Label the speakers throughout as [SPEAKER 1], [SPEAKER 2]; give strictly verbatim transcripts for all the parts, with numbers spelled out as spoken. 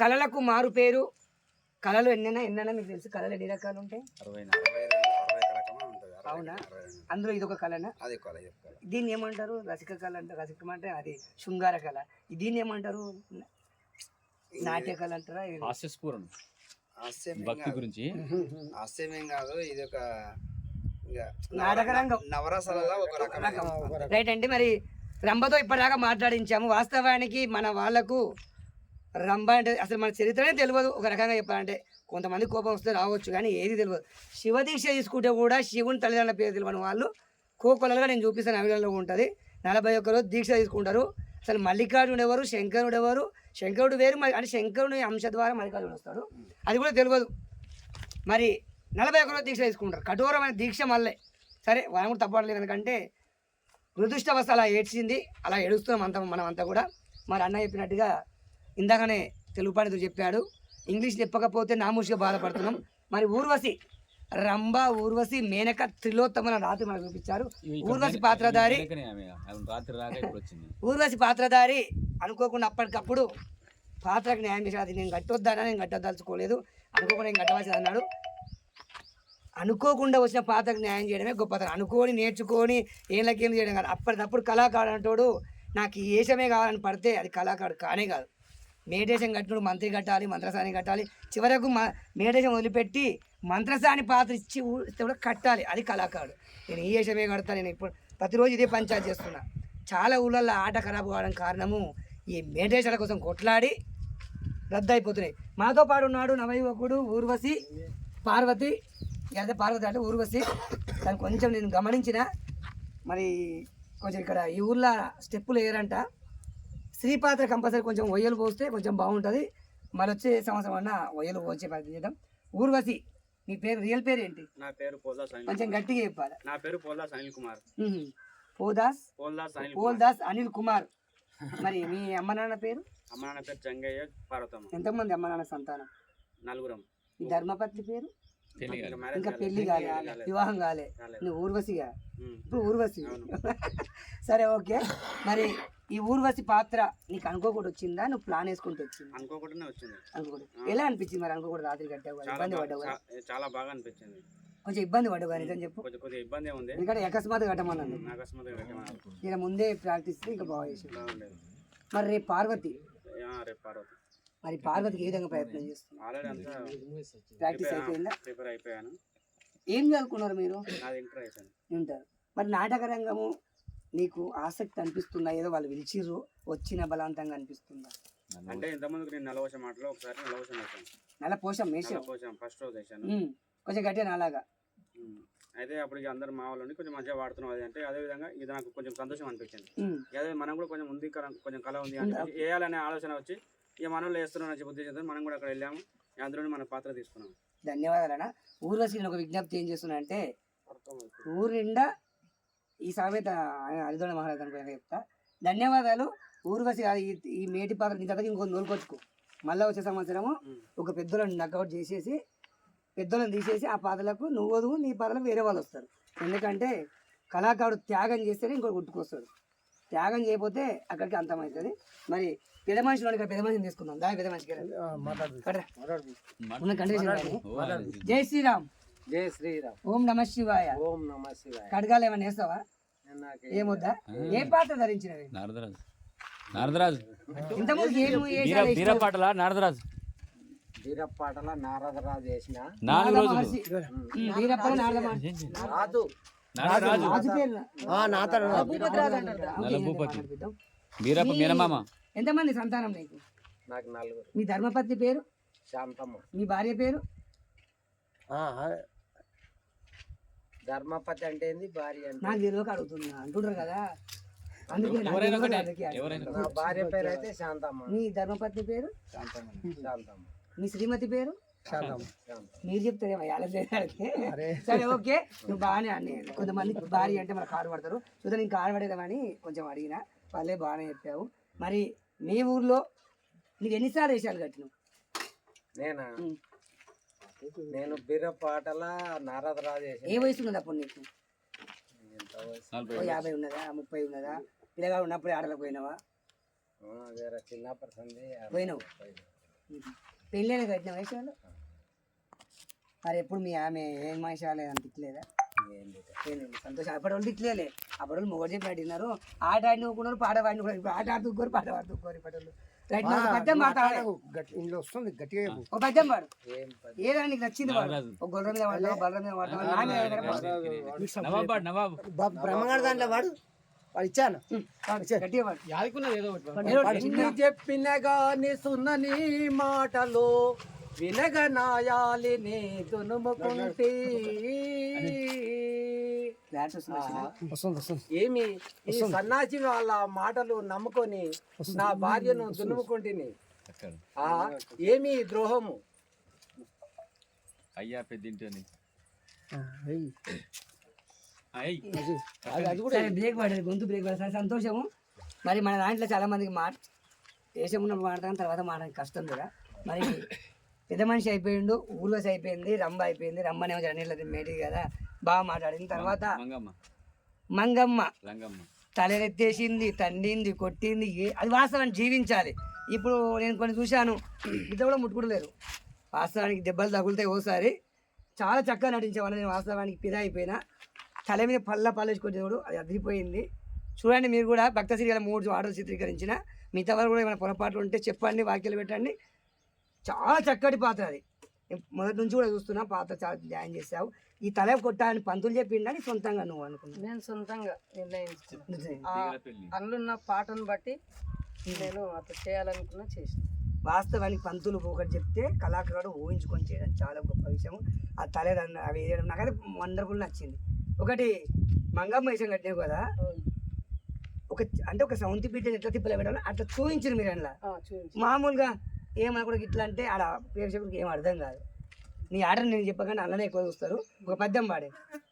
[SPEAKER 1] కళలకు మారు పేరు. కళలు ఎన్నైనా ఎన్నైనా మీకు తెలుసు, కళలు ఎన్ని రకాలు ఉంటాయి? అవునా? అందులో ఇది ఒక కళనా? దీన్ని ఏమంటారు? రసిక కళ అంటే, రసికం అంటే అది శృంగార కళ. దీన్ని ఏమంటారు? నాట్య కళ అంటారా?
[SPEAKER 2] భక్తి గురించి హాస్యమేం కాదు, ఇది ఒక
[SPEAKER 1] నాటక రంగం,
[SPEAKER 2] నవరసాలలో ఒక రకం.
[SPEAKER 1] రైట్ అండి. మరి రంభతో ఇప్పటిదాకా మాట్లాడించాము. వాస్తవానికి మన వాళ్ళకు రంభ అంటే అసలు మన చరిత్రనే తెలియదు. ఒక రకంగా చెప్పాలంటే కొంతమంది కోపం వస్తే రావచ్చు, కానీ ఏది తెలియదు. శివదీక్ష తీసుకుంటే కూడా శివుని తల్లిదండ్రుల పేరు తెలియని వాళ్ళు కోకొలలుగా నేను చూపిస్తాను, అవిడంలో ఉంటుంది. నలభై ఒక్క రోజు దీక్ష తీసుకుంటారు. అసలు మల్లికార్జునుడు ఎవరు, శంకరుడు ఎవరు, శంకరుడు వేరు, మరి అంటే శంకరుని అంశ ద్వారా మల్లికార్జునుడు వస్తాడు, అది కూడా తెలియదు. మరి నలభై ఒక్క రోజు దీక్ష తీసుకుంటారు, కఠోరమైన దీక్ష. మళ్ళీ సరే మనం కూడా తప్పట్లేదు, ఎందుకంటే దురదృష్టవస్థ అలా ఏడ్చింది, అలా ఏడుస్తున్నాం అంతా మనం అంతా కూడా. మరి అన్న చెప్పినట్టుగా ఇందాకనే తెలుగు పండితుడు చెప్పాడు, ఇంగ్లీష్ చెప్పకపోతే నామూషిగా బాధపడుతున్నాం. మరి ఊర్వశి, రంభ, ఊర్వశి, మేనక, త్రిలోత్తమ రాత్రి మనకు చూపించారు. ఊర్వశి పాత్రధారి, ఊర్వశి పాత్రధారి అనుకోకుండా అప్పటికప్పుడు పాత్రకు న్యాయం చేశాడు. అది నేను కట్టొద్దానా, నేను కట్టదలుచుకోలేదు, అనుకోకుండా నేను కట్టవలసింది అన్నాడు. అనుకోకుండా వచ్చిన పాత్రకు న్యాయం చేయడమే గొప్పతనం. అనుకోని నేర్చుకొని ఏళ్ళకేం చేయడం కాదు. అప్పటికప్పుడు కళాకారుడు అంటాడు నాకు ఈ వేషమే కావాలని పడితే అది కళాకారుడు కానే కాదు. మేడేశం కట్టినప్పుడు మంత్రి కట్టాలి, మంత్రసాని కట్టాలి, చివరకు మ మేడేశం వదిలిపెట్టి మంత్రసాని పాత్ర ఇచ్చి ఇస్తే కూడా కట్టాలి, అది కళాకారుడు. నేను ఈ వేషమే కడతాను, నేను ఇప్పుడు ప్రతిరోజు ఇదే పంచాయతీ చేస్తున్నా. చాలా ఊళ్ళల్లో ఆట ఖరాబ్ కావడం కారణము ఈ మేడేశాల కోసం కొట్లాడి రద్దు అయిపోతున్నాయి. మాతో పాటు ఉన్నాడు నవయువకుడు ఊర్వశి పార్వతి. అదే పార్వతి అంటే ఊర్వశి. దాన్ని కొంచెం నేను గమనించిన, మరి కొంచెం ఇక్కడ ఈ ఊర్లో స్టెప్పులు వేయరంట. స్త్రీ పాత్ర కంపల్సరీ కొంచెం ఒయ్యలు పోస్తే కొంచెం బాగుంటుంది. మరి వచ్చే సంవత్సరం అన్న ఒయ్యలు పోసే ప్రయత్నం చేద్దాం. ఊర్వశి, మీ పేరు, రియల్ పేరు ఏంటి?
[SPEAKER 2] నా పేరు పోల్దాస్,
[SPEAKER 1] కొంచెం గట్టిగా చెప్పాలి.
[SPEAKER 2] నా పేరు పోల్దాస్ అనిల్ కుమార్.
[SPEAKER 1] పోదాస్
[SPEAKER 2] పోల్దాస్ అనిల్
[SPEAKER 1] పోల్దాస్ అనిల్ కుమార్. మరి మీ అమ్మ నాన్న పేరు?
[SPEAKER 2] అమ్మ నాన్న పేరు జంగయ్య, పార్వతమ్మ.
[SPEAKER 1] ఎంతమంది అమ్మ నాన్న సంతానం?
[SPEAKER 2] నలుగురం.
[SPEAKER 1] మీ ధర్మపత్ని పేరు? ఇంకా పెళ్లి కాలే, వివాహం కాలే, నువ్వు ఊర్వశిగా, ఇప్పుడు ఊర్వశి. సరే ఓకే. మరి ఈ ఊర్వశి పాత్ర నీకు అనుకోకుండా వచ్చిందా, నువ్వు ప్లాన్ వేసుకుంటూ వచ్చింది?
[SPEAKER 2] అనుకోకుండానే వచ్చింది.
[SPEAKER 1] అనుకోకుండా ఎలా అనిపించింది? మరి అనుకోకుండా రాత్రి కట్టావు, ఇబ్బంది పడ్డావు?
[SPEAKER 2] చాలా బాగా అనిపించింది.
[SPEAKER 1] కొంచెం ఇబ్బంది పడ్డావు నిజం చెప్పు.
[SPEAKER 2] కొంచెం కొద్దిగా ఇబ్బంది ఉంది,
[SPEAKER 1] ఎందుకంటే అకస్మాత్ కట్టమన్నాను.
[SPEAKER 2] అకస్మాత్తుగా కట్టమన్నాను.
[SPEAKER 1] నేను ముందే ప్రాక్టీస్ ఇంకా బాగా చేసాను. మరి రేపు పార్వతి,
[SPEAKER 2] రేపు పార్వతి.
[SPEAKER 1] మరి పార్వతికి ఏ విధంగా ప్రయత్నం చేస్తున్నారు?
[SPEAKER 2] ఆల్రెడీ అంతా
[SPEAKER 1] ప్రాక్టీస్ అయిపోయిందా?
[SPEAKER 2] ప్రిపేర్ అయిపోయాను.
[SPEAKER 1] ఏం చదువుకున్నారు మీరు?
[SPEAKER 2] నాది ఇంటర్ అయిపోయింది.
[SPEAKER 1] ఉంటారు. మరి నాటక రంగము నీకు ఆసక్తి అనిపిస్తుందా? ఏదో వాళ్ళు పిలిచిర్రు వచ్చిన బలవంతంగా అనిపిస్తుందా?
[SPEAKER 2] అంటే ఇంతకుముందు నేను నలవశ మాటలో ఒకసారి నలవశం వేసాను.
[SPEAKER 1] నల్ల పోషం వేసాను,
[SPEAKER 2] ఫస్ట్ రోజు వేసాను,
[SPEAKER 1] కొంచెం గట్టిగా నాలాగా.
[SPEAKER 2] అయితే అప్పుడు అందరు మా వాళ్ళని కొంచెం మంచిగా వాడుతున్నాం. అది అంటే అదే విధంగా ఇది నాకు కొంచెం సంతోషం అనిపించింది. అదే మనం కూడా కొంచెం ఉంది, కొంచెం కళ ఉంది అంటే వేయాలనే ఆలోచన వచ్చి ఇక మనలో వేస్తున్నాం అని ఉద్దేశంతో మనం కూడా అక్కడ వెళ్ళాము. అందులోనే మన పాత్ర తీసుకున్నాం.
[SPEAKER 1] ధన్యవాదాలన్నా. ఊర్వశి నేను ఒక విజ్ఞప్తి ఏం చేస్తున్నా అంటే, ఊరు నిండా ఈ సామెత హరిదోడ మహారాజు అనుకో చెప్తా. ధన్యవాదాలు ఊర్వశి. ఈ మేటి పాత్ర నీ దగ్గర ఇంకొక నోలుకొచ్చుకో. మళ్ళీ వచ్చే సంవత్సరము ఒక పెద్దలను నక్అవుట్ చేసేసి పెద్దలను తీసేసి ఆ పాత్రలకు నువ్వు నీ పాత్రలకు వేరే వాళ్ళు వస్తారు. ఎందుకంటే కళాకారుడు త్యాగం చేస్తేనే ఇంకోటి గుర్తుకొస్తాడు. త్యాగం చేయకపోతే అక్కడికి అంతమవుతుంది. మరి పెద్ద మనిషిలో ఇక్కడ పెద్ద మనిషిని తీసుకుందాం. దాని పెద్ద మనిషికి జై శ్రీరామ్.
[SPEAKER 3] జై శ్రీరామ్.
[SPEAKER 1] ఓం నమ శివాయ.
[SPEAKER 3] ఓం నమ శివాయ.
[SPEAKER 1] కడగాలు ఏమైనా వేస్తావా? ఏమొద్దా? ఏ పాత్ర ధరించినవి?
[SPEAKER 4] నారదరాజు. నారదరాజు
[SPEAKER 1] ఇంతకుముందు
[SPEAKER 4] వీరపాటల నారదరాజు.
[SPEAKER 3] వీరపాటల నారదరాజు వేసిన
[SPEAKER 4] నాలుగు రోజులు
[SPEAKER 1] వీరప్ప నారద
[SPEAKER 3] రాజు
[SPEAKER 1] రాజు పేరు
[SPEAKER 4] నలభూపతి వీరప్ప మేనమామ.
[SPEAKER 1] ఎంతమంది సంతానం నీకు?
[SPEAKER 3] నాకు నలుగురు.
[SPEAKER 1] మీ ధర్మపత్ని పేరు?
[SPEAKER 3] శాంతమ్మ.
[SPEAKER 1] మీ భార్య పేరు?
[SPEAKER 3] ధర్మపతి అంటే ఏంది, భార్య అంటే?
[SPEAKER 1] నాకు తెలియక అడుగుతున్నా, అంటుండ్రు కదా అందుకే.
[SPEAKER 3] నా భార్య పేరు అయితే శాంతమ్మ.
[SPEAKER 1] మీ ధర్మపత్ని పేరు?
[SPEAKER 3] శాంతమ్మ.
[SPEAKER 1] మీ శ్రీమతి పేరు? మీరు చెప్తారేమో ఎలా చేయడానికి. సరే ఓకే, నువ్వు బాగానే అన్ని. కొంతమంది భార్య అంటే మన కారు పడతారు, చూద్దాం నేను కారు పడేదామని కొంచెం అడిగిన, వాళ్ళే బాగానే చెప్పావు. మరి మీ ఊర్లో నీకు ఎన్నిసార్లు వేషాలు కట్టినావు?
[SPEAKER 3] నేనా? నేను వీరపాటల నారదరాజు.
[SPEAKER 1] ఏ వయసు ఉన్నది అప్పుడు నీకు? యాభై ఉన్నదా, ముప్పై ఉన్నదా? పిల్లగా ఉన్నప్పుడే ఆటలకు పోయినావా?
[SPEAKER 3] చిన్నప్పటి
[SPEAKER 1] పోయినావు. పెళ్ళైన కట్టిన వయసు వాళ్ళు మరి ఎప్పుడు మీ ఆమె ఏం మనిషి రాలేదని తిట్టలేదా ఏం లేదు సంతోషం అప్పటి వాళ్ళు తిట్టలేలే అప్పటి వాళ్ళు మొగడు చెప్పి అడిగినారు ఆట ఆడిన ఊరుకున్నారు పాట పాడిన కూడా ఇప్పుడు ఆట ఆడుతుకోరు పాట పాడుతుకోరు ఇప్పటి వాళ్ళు రైట్ పద్యం మాట్లాడాలి
[SPEAKER 5] ఇంట్లో వస్తుంది గట్టిగా
[SPEAKER 1] ఒక పద్యం పాడు
[SPEAKER 3] ఏం పది
[SPEAKER 1] ఏదైనా నీకు నచ్చింది పాడు ఒక గొర్రె మీద వాడతావు బర్రె మీద వాడతావు నా మీద ఏదైనా పాడు.
[SPEAKER 4] నవాబ్ పాడు, నవాబ్
[SPEAKER 5] బ్రహ్మగారి దాంట్లో వాడు వాడు ఇచ్చాను
[SPEAKER 1] పాడు, గట్టిగా పాడు ఏదో ఒకటి
[SPEAKER 3] ఎన్ని చెప్పిన గాని సున్నని మాటలు వినగనాయాలి నీ దునుముకుంటే
[SPEAKER 1] ఫ్లాట్స్ వస్తున్నాయి.
[SPEAKER 5] వస్తుంది వస్తుంది
[SPEAKER 3] ఏమి ఈ సన్నాసి వాళ్ళ మాటలు నమ్ముకొని నా భార్యను దునుముకుంటుని ఆ ఏమి ఈ ద్రోహము
[SPEAKER 4] అయ్యా పెద్దింటని
[SPEAKER 5] ఆ, వెయ్యి.
[SPEAKER 4] అయ్యి
[SPEAKER 5] అది అది కూడా
[SPEAKER 1] సరే బ్రేక్ పడేది గొంతు బ్రేక్ పడేది సరే సంతోషము మరి మన దాంట్లో చాలా మందికి మాట దేశం ఉన్నప్పుడు మాట్లాడతాం తర్వాత మాట్లాడడం కష్టం కూడా మరి పెద్ద మనిషి అయిపోయిండు ఊర్వశి అయిపోయింది రంభ అయిపోయింది రంభనేమో జనీళ్ళ మేటి కదా బాగా మాట్లాడింది తర్వాత
[SPEAKER 4] మంగమ్మ
[SPEAKER 1] మంగమ్మ
[SPEAKER 4] లంగమ్మ
[SPEAKER 1] తలెత్తేసింది తండింది కొట్టింది ఏ- అది వాస్తవాన్ని జీవించాలి ఇప్పుడు నేను కొన్ని చూశాను ఇట్లా కూడా ముట్టుకుంటలేరు వాస్తవానికి దెబ్బలు తగులుతాయి ఓసారి చాలా చక్కగా నటించేవాళ్ళు నేను వాస్తవానికి పిదా అయిపోయినా తల మీద పళ్ళ పళ్ళేసి కొట్టేవాడు అది అదిరిపోయింది చూడండి మీరు కూడా భక్త శ్రీ మూడు ఆటలు చిత్రీకరించిన మిగతా వారు కూడా ఏమైనా పొరపాట్లు ఉంటే చెప్పండి వాక్యాలు పెట్టండి చాలా చక్కటి పాత్ర అది నేను మొదటి నుంచి కూడా చూస్తున్నా పాత్ర చాలా న్యాయం చేసావు ఈ తల కొట్టాలని పంతులు చెప్పిండని సొంతంగా నువ్వు అనుకున్నావు
[SPEAKER 6] నేను సొంతంగా నిర్ణయించుకున్నాను ఆ
[SPEAKER 4] తీగల పెళ్ళి
[SPEAKER 6] అందులో పాటను బట్టి నేను అట్లా చేయాలనుకున్నా చేసిన
[SPEAKER 1] వాస్తవానికి పంతులు ఒకటి చెప్తే కళాకారుడు ఊహించుకొని చేయడం చాలా గొప్ప విషయం ఆ తలేదన్న అవి వేయడం నాకైతే వండర్ఫుల్ నచ్చింది ఒకటి మంగమ్మ వేషం కట్టినావు కదా ఒక అంటే ఒక సౌంతి బిడ్డని ఎట్లా తిప్పలే పెట్టాలి అట్లా చూపించారు మీరు అందులో
[SPEAKER 6] ఆ, చూపించు
[SPEAKER 1] మామూలుగా ఏమనకూడదు ఇట్లా అంటే ఆడ ప్రేక్షకుడికి ఏం అర్థం కాదు నీ ఆర్డర్ నేను చెప్పగానే అలానే ఎక్కువ చూస్తారు ఒక పద్యం పాడే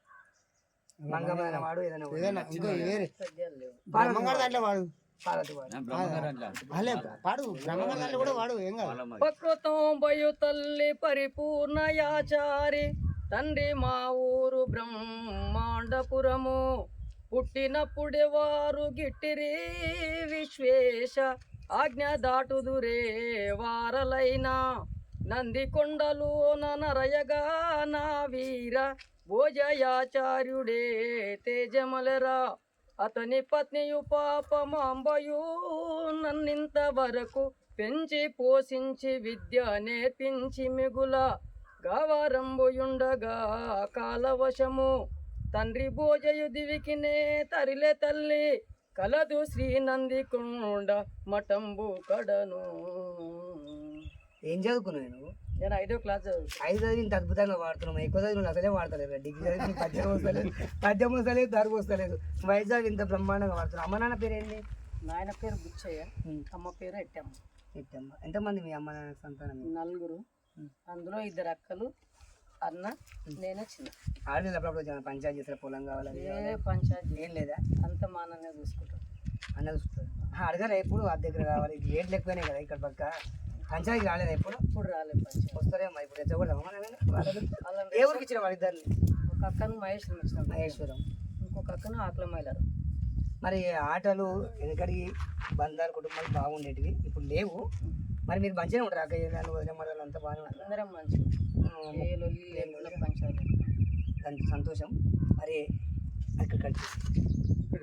[SPEAKER 1] మంగమ్మ ఏదైనా వాడు ఏదైనా వాడు.
[SPEAKER 5] ఏదైనా ఇంకో వేరే
[SPEAKER 6] పద్యాలు లేవు
[SPEAKER 5] బ్రహ్మంగారి దాంట్లో వాడు
[SPEAKER 1] పార్వతి వాడు
[SPEAKER 4] బ్రహ్మగారు
[SPEAKER 5] అలే పాడు బ్రహ్మంగారి దాంట్లో కూడా వాడు ఏం కాదు
[SPEAKER 6] ప్రకృతం బయు తల్లి పరిపూర్ణ యాచారి తండ్రి మా ఊరు బ్రహ్మాండపురము పుట్టినప్పుడే వారు గిట్టిరి విశ్వేశ ఆజ్ఞ దాటుదురే వారలైనా నంది కొండలు నరయగా నా వీర భోజయాచార్యుడే తేజమలరా అతని పత్నియు పాపమాంబయు నన్నింత వరకు పెంచి పోషించి విద్య నేర్పించి మిగుల గవారంబుయుండగా కాలవశము తండ్రి భోజయు దివికినే తరిలే తల్లి కలదు శ్రీ నందికొండ మఠంబు కడను
[SPEAKER 1] ఏం చదువుకున్నావు నువ్వు
[SPEAKER 6] నేను ఐదో క్లాస్ చదువు
[SPEAKER 1] ఐదు చదివి ఇంత అద్భుతంగా వాడుతున్నావు ఎక్కువ చదివి నువ్వు అసలే వాడతలేదు డిగ్రీ చదివి నీకు పద్యం వస్తలేదు పద్యం వస్తలేదు దరువు వస్తలేదు వైజాగ్ ఇంత బ్రహ్మాండంగా వాడుతున్నావు అమ్మ నాన్న పేరు ఏంటి
[SPEAKER 6] నాయన పేరు బుచ్చయ్య అమ్మ పేరు ఎట్టమ్మ
[SPEAKER 1] ఎట్టమ్మ ఎంతమంది మీ అమ్మ నాన్న సంతానం
[SPEAKER 6] నలుగురు అందులో ఇద్దరు అక్కలు అన్న నేనే చిన్న
[SPEAKER 1] ఆడలేదు అప్పుడప్పుడు చాలా పంచాయతీ చేసిన పొలం కావాలి అది
[SPEAKER 6] ఏ
[SPEAKER 1] కావాలి.
[SPEAKER 6] పంచాయతీ
[SPEAKER 1] ఏం లేదా
[SPEAKER 6] అంత మా అన్ననే చూసుకుంటాం
[SPEAKER 1] అన్న చూస్తుంది అడగాలి ఎప్పుడు ఆ దగ్గర కావాలి ఇది రేట్లు ఎక్కువనే కదా ఇక్కడ పక్క పంచాయతీ రాలేదు ఎప్పుడు
[SPEAKER 6] ఇప్పుడు రాలేదు పంచాయతీ
[SPEAKER 1] వస్తారేమో ఇప్పుడు తెచ్చకూడదు
[SPEAKER 6] అలా
[SPEAKER 1] ఏ ఊరికి ఇచ్చిన వాళ్ళిద్దరిని
[SPEAKER 6] ఒక అక్కను మహేశ్వరం ఇచ్చిన
[SPEAKER 1] మహేశ్వరం
[SPEAKER 6] ఇంకొక అక్కను ఆకల మైలారు
[SPEAKER 1] మరి ఆటలు వెనకడికి బంధాలు కుటుంబాలు బాగుండేటివి ఇప్పుడు లేవు మరి మీరు మంచిగా ఉంటారు అక్క నన్ను వదిలే మరలు అంతా బాగానే ఉంటారు
[SPEAKER 6] అందరం మంచిగా ఏ లొల్లి లేకుండా పంచాయతీ
[SPEAKER 1] దానికి సంతోషం మరి అక్కడ కలిసి